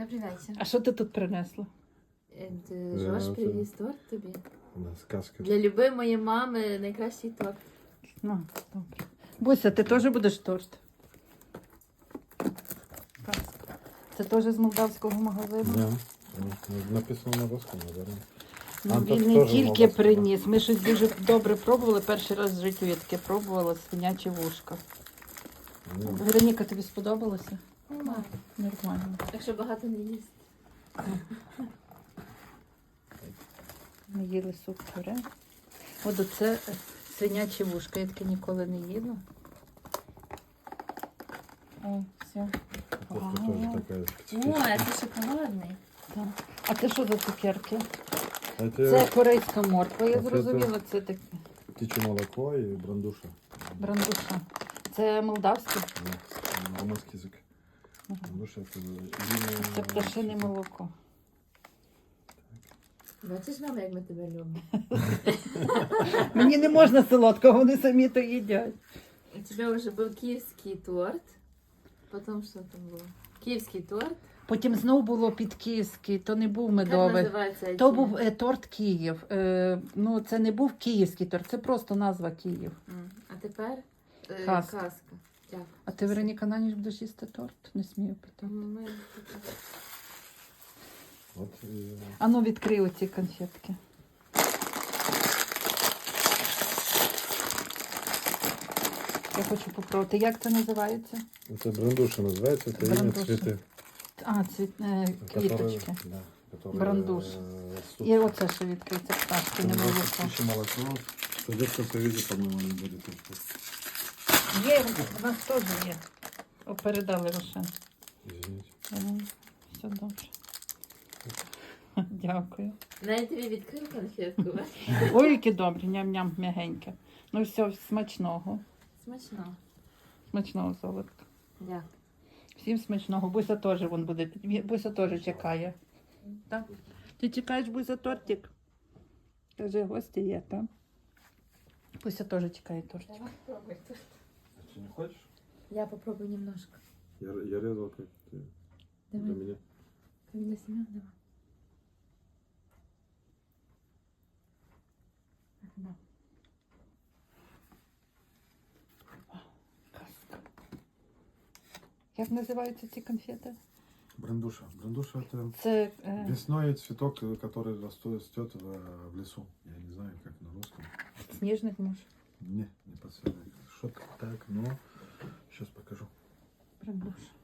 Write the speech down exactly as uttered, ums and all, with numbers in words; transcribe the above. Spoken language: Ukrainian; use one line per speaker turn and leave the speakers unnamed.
Добрий вечір.
А що ти тут принесла?
Е, ти Жош
це-
привіз торт тобі.
Да, сказка.
Для любимої мами найкращий торт.
Ну, добре. Буся, ти теж будеш торт? Казка. Це теж з молдавського магазину?
Да. Ну, написано на русском, наверное.
Ну,
А,
він
тут
не
теж
тільки
молдавського.
приніс. Ми щось дуже добре пробували. Перший раз в житті я таке пробувала свинячі вушка.
Ну,
Вероніка, тобі сподобалося?
Нормально.
Нормально.
Якщо багато не їсти.
Ми їли суп пюре. От оце е, свинячі вушка. Я таке ніколи не їла. О, все.
Кофта тоже такая
О,
специфическая.
це шоколадний.
Так. А це що за цукерки?
Это
Це корейська морква, я
Оце
зрозуміла. Це таке
птичье молоко и брандуша.
брандуша. Це молдавське?
Да, румынский язык.
Ага.
Брандуша это винное-
Це пташине молоко.
Бачиш, мама, як ми тебе любимо.
Мені не можна солодкого, вони самі то їдять.
У тебе вже був київський торт. Потім що там було? Київський торт.
Потім знову було під київський, то не був
Як
медовий.
називається?
То
ці?
був е, торт Київ. Е, ну, це не був київський торт, це просто назва Київ.
М, А тепер е,
Казка.
казка. Дякую.
А ти, Вероніка, на ніч будеш їсти торт? Не смію питати.
М, ми-
Вот, и-
А ну, відкрий оці конфетки. Я хочу попробувати. Як це називається?
Это брандуша называется, это имя
Брандуша.
цветы.
А, цвіт, е,
которые-
квіточки.
Да, которые,
Брандуш.
э, растут.
І оце ще відкриється пташки, не молоко.
Птичье молоко. В детском союзе, по-моему, не будет.
Є, у нас теж є. О, передали Рошен.
Извините.
М, Все добре. Дякую.
Навіть тобі відкрив конфетку.
Ой, які добрі, ням-ням, м'ягеньке. Ну все, смачного.
Смачно.
Смачного, золотко.
Дякую.
Всім смачного. Буся теж вон буде. Буся теж чекає. Так? Ти чекаєш, Буся, тортик? Каже, гості є, так? Буся теж чекає тортик.
Давай пробуй торт.
А ты не хочешь?
Я попробую немножко.
Я, я резал как ты. Для
Давай.
меня.
Каміля Семен, давай. Да.
Казка. Як називаються ці конфети?
Брандуша. Брандуша это
Це е,
весной цветок, который растет, растет в, в лесу. Я не знаю, как на русском.
сніжник може.
Не, не подсказывает. Что-то так, но сейчас покажу.
Брандуша.